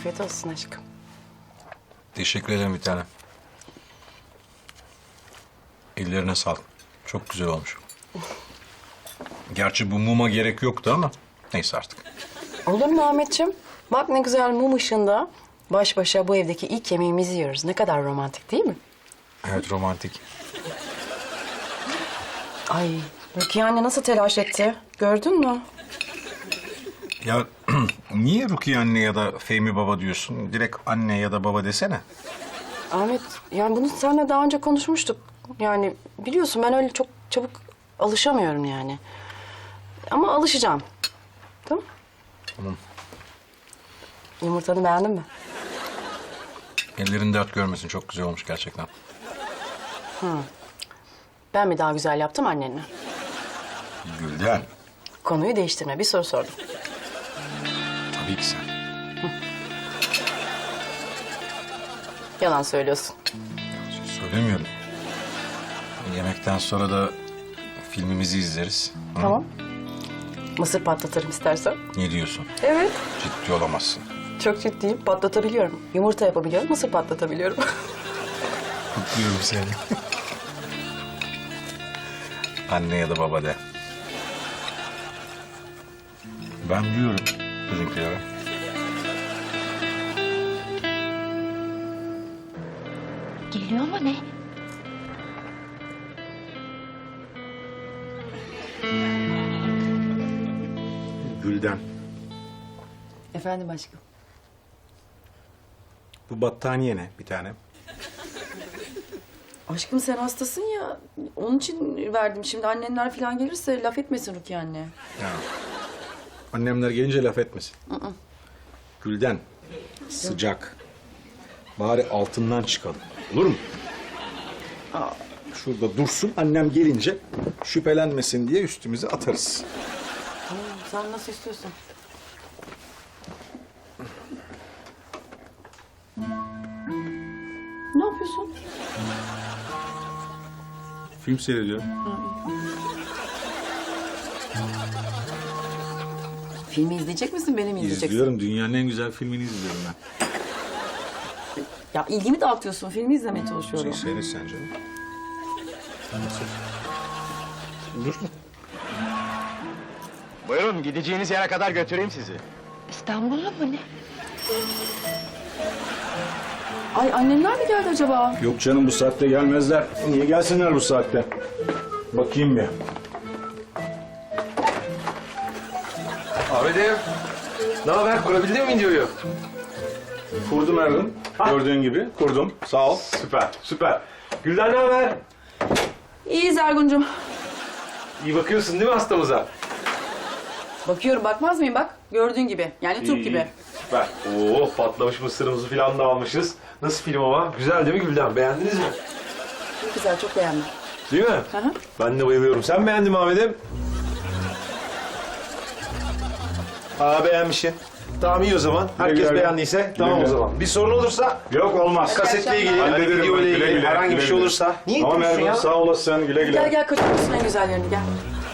Afiyet olsun aşkım. Teşekkür ederim bir tane. Ellerine sağlık. Çok güzel olmuş. Gerçi bu muma gerek yoktu ama neyse artık. Olur mu Ahmetciğim? Bak ne güzel mum ışığında baş başa bu evdeki ilk yemeğimizi yiyoruz. Ne kadar romantik değil mi? Evet, romantik. Ay Rukiye anne nasıl telaş etti? Gördün mü? Ya niye Rukiye anne ya da Fehmi baba diyorsun? Direkt anne ya da baba desene. Ahmet yani bunu seninle daha önce konuşmuştuk. Yani biliyorsun ben öyle çok çabuk alışamıyorum yani. Ama alışacağım. Tamam. Tamam. Yumurtanı beğendin mi? Ellerin dert görmesin. Çok güzel olmuş gerçekten. Ben mi daha güzel yaptım annenle? Gülden. Konuyu değiştirme. Bir soru sordum. Tabii ki sen. Yalan söylüyorsun. Söylemiyorum. Yemekten sonra da filmimizi izleriz. Hı? Tamam. Mısır patlatırım istersen. Ne diyorsun? Evet. Ciddi olamazsın. Çok ciddiyim. Patlatabiliyorum. Yumurta yapabiliyorum. Mısır patlatabiliyorum. Kutluyorum seni. Anne ya da baba de. Ben biliyorum bizimkilere. Geliyor ama ne? Gülden, Efendim aşkım. bu battaniye ne bir tane? Aşkım sen hastasın ya. Onun için verdim. Şimdi annenler falan gelirse laf etmesin Rukiye anne. Ya. Annemler gelince laf etmesin. Gülden, sıcak. Bari altından çıkalım. Olur mu? Şurada dursun, annem gelince şüphelenmesin diye üstümüze atarız. Tamam, sen nasıl istiyorsan. Ne yapıyorsun? Film seyrediyorum. Filmi izleyecek misin, beni mi izleyeceksin? İzliyorum, dünyanın en güzel filmini izliyorum ben. Ya ilgimi dağıtıyorsun, filmi izlemeye çalışıyorum. Seyret sen canım. Dur. Buyurun, gideceğiniz yere kadar götüreyim sizi. İstanbul'la mı ne? Ay annenler mi geldi acaba? Yok canım, bu saatte gelmezler. Niye gelsinler bu saatte? Bakayım bir. Ahmet'im, ne haber? Kurabildin mi videoyu? Kurdum Ergun. Gördüğün gibi kurdum. Sağ ol. Süper, süper. Gülden ne haber? İyiyiz Ergun'cum. İyi bakıyorsun değil mi hastamıza? Bakıyorum, bakmaz mıyım bak? Gördüğün gibi, yani Türk gibi. Süper. Oo, patlamış mısırımızı falan da almışız. Nasıl film ama? Güzel değil mi Gülden? Beğendiniz mi? Çok güzel, çok beğendim. Değil mi? Hı hı. Ben de bayılıyorum. Sen beğendin mi Ahmet'im? Aa, beğenmişsin. Tamam, iyi o zaman. Herkes güle. beğendiyse tamam güle. o zaman. Bir sorun olursa Yok olmaz. kasetle ilgili, hani Hallederim video ben. ile Güle ilgili güle, herhangi bir güle şey güle. olursa. Niye Tamam yapıyorsun Ergun, ya? sağ olasın. Güle güle. Gel kaçırmışsın en güzellerini, gel.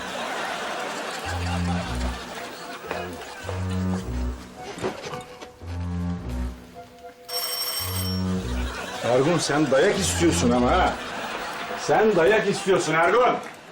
Ergun, sen dayak istiyorsun ama ha. Sen dayak istiyorsun Ergun.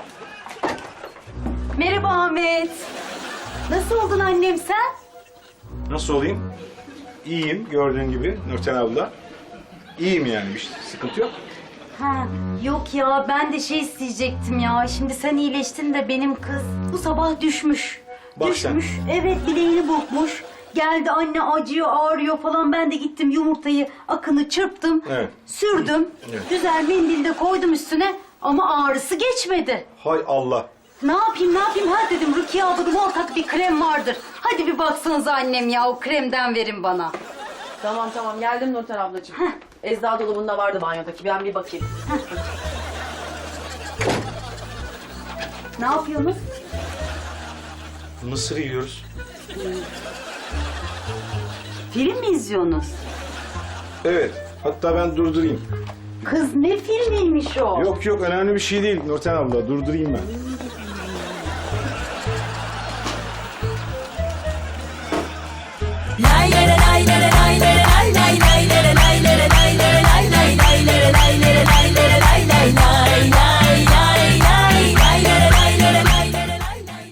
Merhaba Ahmet. Nasıl oldun annem sen? Nasıl olayım? İyiyim gördüğün gibi Nurten abla. İyiyim yani, bir sıkıntı yok. Ha, yok ya ben de şey isteyecektim ya. Şimdi sen iyileştin de benim kız bu sabah düşmüş. Bak sen. Düşmüş. Evet, bileğini burkmuş. Geldi anne acıyor, ağrıyor falan. Ben de gittim yumurtayı, akını çırptım. Evet. Sürdüm. Evet. Güzel mendil de koydum üstüne. Ama ağrısı geçmedi. Hay Allah. Ne yapayım ha dedim. Rukiye ablanın ortak bir krem vardır. Hadi bir baksanıza annem ya, o kremden verin bana. Tamam tamam, geldim Nurten ablacığım. Eczacı dolabında vardı banyodaki, ben bir bakayım. Ne yapıyorsunuz? Mısır yiyoruz. Film mi izliyorsunuz? Evet. Hatta ben durdurayım. Kız ne filmiymiş o? Yok yok, önemli bir şey değil Nurten abla. Durdurayım ben. La la la